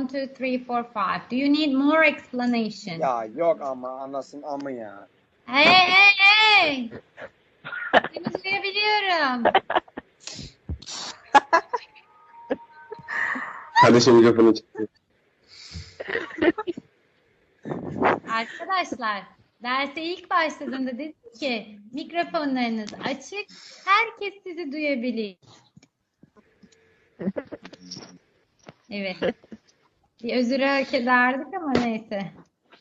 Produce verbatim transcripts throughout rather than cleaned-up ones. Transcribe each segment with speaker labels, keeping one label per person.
Speaker 1: two, three, four, five. Do you need more explanation?
Speaker 2: Ya yok ama anasın amı ya.
Speaker 1: Hey hey hey! Seni duyabiliyorum.
Speaker 3: Kardeşim mikrofonu çıktı.
Speaker 1: Arkadaşlar, derse ilk başladığında dedim ki mikrofonlarınız açık, herkes sizi duyabilir. Evet. Bir özür hak ederdik ama neyse.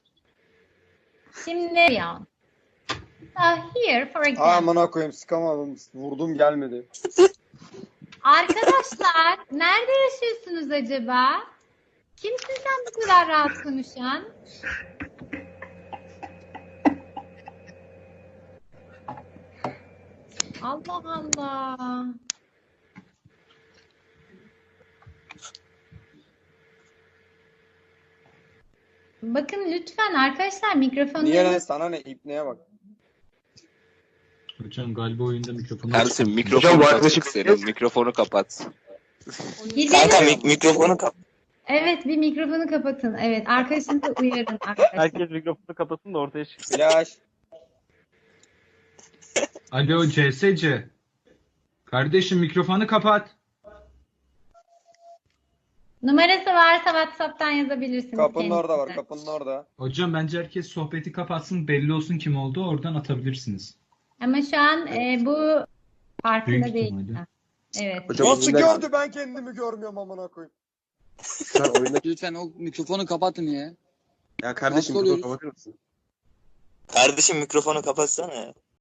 Speaker 1: Şimdi ya. So here for example.
Speaker 2: Amına koyayım sıkamadım. Vurdum gelmedi.
Speaker 1: Arkadaşlar, nerede yaşıyorsunuz acaba? Kimsin sen bu kadar rahat konuşan? Allah Allah. Bakın lütfen arkadaşlar mikrofonları...
Speaker 2: Niye lan sana ne ipneye bak.
Speaker 4: Hocam galiba oyunda mikrofonu
Speaker 5: Ersin
Speaker 3: Hocam,
Speaker 5: mikrofonu
Speaker 3: bu
Speaker 5: kapat
Speaker 3: arkadaşı-
Speaker 5: senin. Mikrofonu kapat.
Speaker 1: Gidelim.
Speaker 5: Kanka mik- mikrofonu kapat.
Speaker 1: Evet, bir mikrofonu kapatın. Evet, arkadaşınızı uyarın arkadaşlar.
Speaker 6: Herkes mikrofonu kapatsın da ortaya çıksın.
Speaker 2: Flash.
Speaker 4: Alo C S C. Kardeşim mikrofonu kapat.
Speaker 1: Numarası varsa WhatsApp'tan yazabilirsiniz.
Speaker 2: Kapının orada var.
Speaker 1: kendisine.
Speaker 2: Kapının orada.
Speaker 4: Hocam bence herkes sohbeti kapatsın, belli olsun kim oldu, oradan atabilirsiniz.
Speaker 1: Ama şu an e, bu farkında
Speaker 4: Büyük
Speaker 1: değil.
Speaker 4: ihtimalle.
Speaker 1: Evet.
Speaker 3: Hocam
Speaker 2: Nasıl
Speaker 3: oyunda-
Speaker 2: gördü ben kendimi görmüyorum amına koyayım.
Speaker 3: Sen oyundaki...
Speaker 7: Lütfen o mikrofonu kapatın ya.
Speaker 3: Ya kardeşim
Speaker 7: Nasıl
Speaker 3: mikrofonu
Speaker 7: oluyoruz?
Speaker 3: kapatır mısın?
Speaker 5: Kardeşim mikrofonu kapatsana ya.